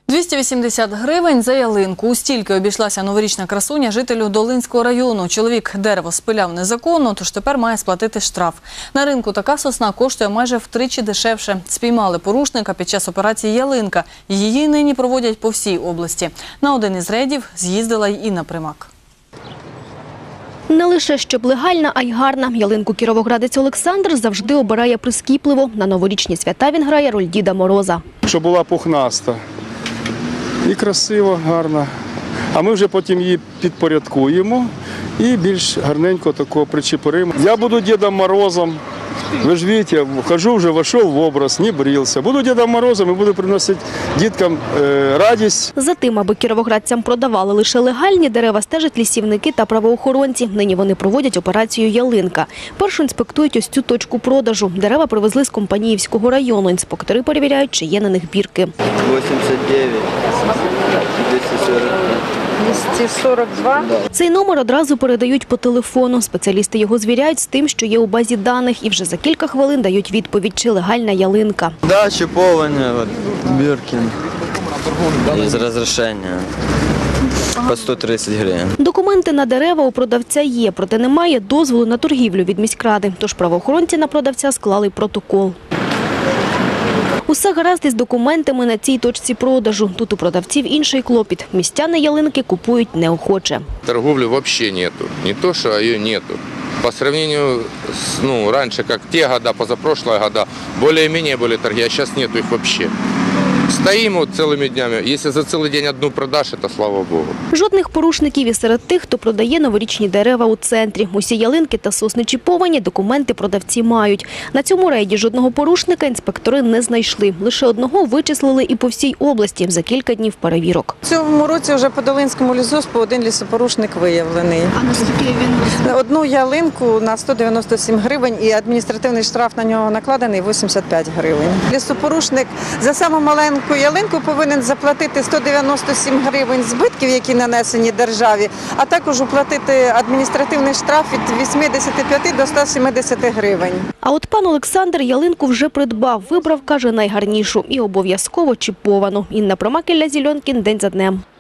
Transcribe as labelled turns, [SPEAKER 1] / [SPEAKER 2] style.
[SPEAKER 1] 280 гривень за ялинку. У стільки обійшлася новорічна красуня жителю Долинського району. Чоловік дерево спиляв незаконно, тож тепер має сплатити штраф. На ринку така сосна коштує майже втричі дешевше. Спіймали порушника під час операції «Ялинка». Її нині проводять по всій області. На один із рейдів з'їздила й Інна Примак.
[SPEAKER 2] Не лише щоб легальна, а й гарна. Ялинку кіровоградець Олександр завжди обирає прискіпливо. На новорічні свята він грає роль Діда Мороза.
[SPEAKER 3] Щоб була пухнаста і красиво, гарна. А ми вже потім її підпорядкуємо і більш гарненько такого причепуримо. Я буду Дідом Морозом. Ви ж бачите, хожу вже, вийшов в образ, не брився. Буду Дідом Морозом і буду приносити діткам радість.
[SPEAKER 2] За тим, аби кіровоградцям продавали лише легальні дерева, стежать лісівники та правоохоронці. Нині вони проводять операцію «Ялинка». Першу інспектують ось цю точку продажу. Дерева привезли з Компаніївського району. Інспектори перевіряють, чи є на них бірки.
[SPEAKER 4] 89, 240.
[SPEAKER 5] 242.
[SPEAKER 2] Цей номер одразу передають по телефону. Спеціалісти його звіряють з тим, що є у базі даних, і вже за кілька хвилин дають відповідь, чи легальна ялинка.
[SPEAKER 4] Да, чіповання, бірки, з розрішення. По 130 гривень.
[SPEAKER 2] Документи на дерева у продавця є, проте немає дозволу на торгівлю від міськради. Тож правоохоронці на продавця склали протокол. Усе гаразд із документами на цій точці продажу. Тут у продавців інший клопіт. Містяни ялинки купують неохоче.
[SPEAKER 6] Торговли вообще нету. Не то, что ее нету. По сравнению с, раньше, как те года, позапрошлые года, более-менее были торги, а сейчас нету их вообще. Стоим вот целыми днями. Если за целый день одну продашь, это слава Богу.
[SPEAKER 2] Жодних порушників і серед тих, хто продає новорічні дерева у центрі. Усі ялинки та сосни чіповані, документи продавці мають. На цьому рейді жодного порушника інспектори не знайшли. Лише одного вичислили і по всій області за кілька днів перевірок.
[SPEAKER 5] В цьому році вже по Долинському лісгоспу один лісопорушник виявлений.
[SPEAKER 2] А наскільки він?
[SPEAKER 5] Одну ялинку на 197 гривень і адміністративний штраф на нього накладений 85 гривень. Лісопорушник за саму маленьку ялинку повинен заплатити 197 гривень збитків, які нанесені державі, а також уплатити адміністративний штраф від 85 до 170 гривень.
[SPEAKER 2] А от пан Олександр ялинку вже придбав. Вибрав, каже, найгарнішу і обов'язково чіповану. Інна Примак, Ілля Зільонкін, день за днем.